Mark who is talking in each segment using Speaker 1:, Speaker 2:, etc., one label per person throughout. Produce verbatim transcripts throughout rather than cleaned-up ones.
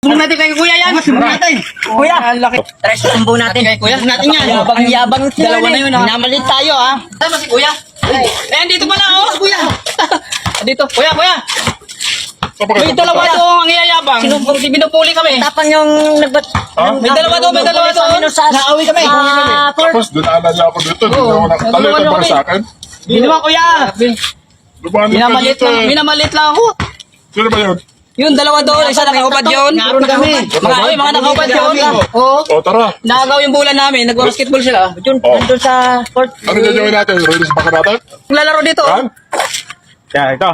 Speaker 1: Sumbong natin kay kuya yan. Sumbong natin. Kuya, ang laki. Tara, sumbong natin. Kay kuya, sumbong natin yan. Ang yabang dalawa na yun. Minamalit tayo ha. Tama si kuya. Eh, dito pala oh. Kuya. Dito, kuya, kuya. May dalawa doon ang iyayabang. Binupuli kami. Tapang yung nagbat... May dalawa doon, may dalawa doon. Naawi kami.
Speaker 2: Tapos dinaanan niya ako dito. Hindi ako nakatalitan para sa akin.
Speaker 1: Hindi naman kuya. Minamalit lang, minamalit lang ako.
Speaker 2: Sino ba yun?
Speaker 1: Yung dalawa doon, isa nakaubad yun. Puro na kami. Mga, oy, mga nakaubad yun. Oo.
Speaker 2: O tara.
Speaker 1: Nakagaw yung bulan namin, nag-basketball sila. Yun,
Speaker 2: Oh.
Speaker 1: nandun sa court.
Speaker 2: Ano gagawin natin? Release ba ka natin?
Speaker 1: Lalaro dito.
Speaker 2: Yan?
Speaker 3: Yan, ito.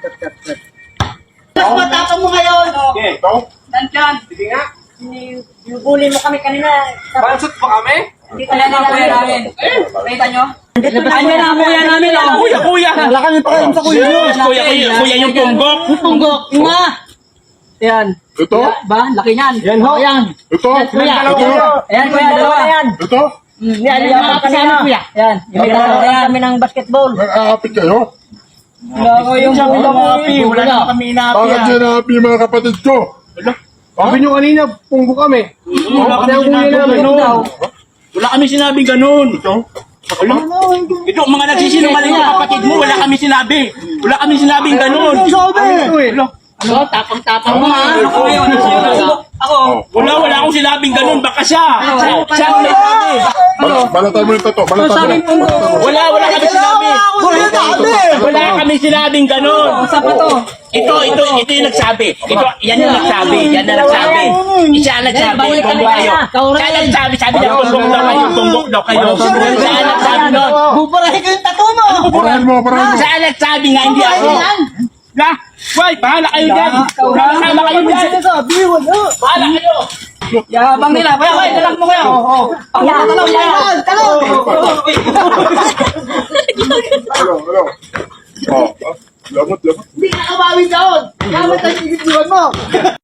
Speaker 1: Ano ba tapang mo ngayon?
Speaker 2: Ito?
Speaker 1: Nandiyan. Sige nga. Nibuli mo kami kanina.
Speaker 3: Bansot pa kami?
Speaker 1: Kita na lang kuya namin. Kita nyo? Ano na kuya namin?
Speaker 3: Kuya, kuya!
Speaker 1: Wala kami pa kayo sa kuya nyo.
Speaker 3: Kuya, kuya, kuya yung tunggok.
Speaker 1: Yung tunggok. Yung nga. Yan.
Speaker 2: Ito?
Speaker 1: Ba? Laki niyan. Yan ho. Yan.
Speaker 2: Ito?
Speaker 1: Kuya.
Speaker 2: Ito?
Speaker 1: Ayan kuya, dalawa yan.
Speaker 2: Ito?
Speaker 1: Yan, yung mga kasama kuya. Yan. Yung may dalawa yan. Kami ng basketball.
Speaker 2: Nag-aapit kayo?
Speaker 1: Wala ko yung
Speaker 3: Happy, wala na kami inapi.
Speaker 2: Bakit yan happy mga kapatid ko?
Speaker 3: Sabi nyo kanina, punggo kami. Wala kami sinabi ganun. Wala kami sinabi ganun.
Speaker 2: Ito?
Speaker 3: Wala. Ito, mga nagsisinungaling na kapatid mo, wala kami sinabi. Wala kami sinabing ganun. Wala.
Speaker 1: Ano? Tapang-tapang mo ha. Ako yun. Ako.
Speaker 3: Wala, wala akong sinabing ganun. Baka siya. Siya siya ang may sabi.
Speaker 2: Bal- Balatan mo yung tato. Balatan mo.
Speaker 3: Wala, wala kami sinabi. Wala kami sinabing ganun.
Speaker 1: Sa pa to.
Speaker 3: Ito, ito, ito yung nagsabi. Ito, yan yung nagsabi. Yan na nagsabi. Isa ang nagsabi. Tumbok kayo. Siya ang nagsabi. Sabi niya, tumbok daw kayo. Tumbok daw kayo. Siya ang nagsabi nun.
Speaker 1: Buburahin ko yung tato mo.
Speaker 2: Burahin mo, burahin mo.
Speaker 3: Siya ang nagsabi nga, hindi ako. Na, boy, bahala kayo dyan. Bahala kayo dyan. Bahala kayo.
Speaker 1: Yabang nila. Kuya, kuya, talak mo kuya. Oo. Ako na talak mo. Talak.
Speaker 2: Hello, hello. Oh, ah, lamot, lamot.
Speaker 1: Hindi ka kabawi doon. Gamit ang ibig mo.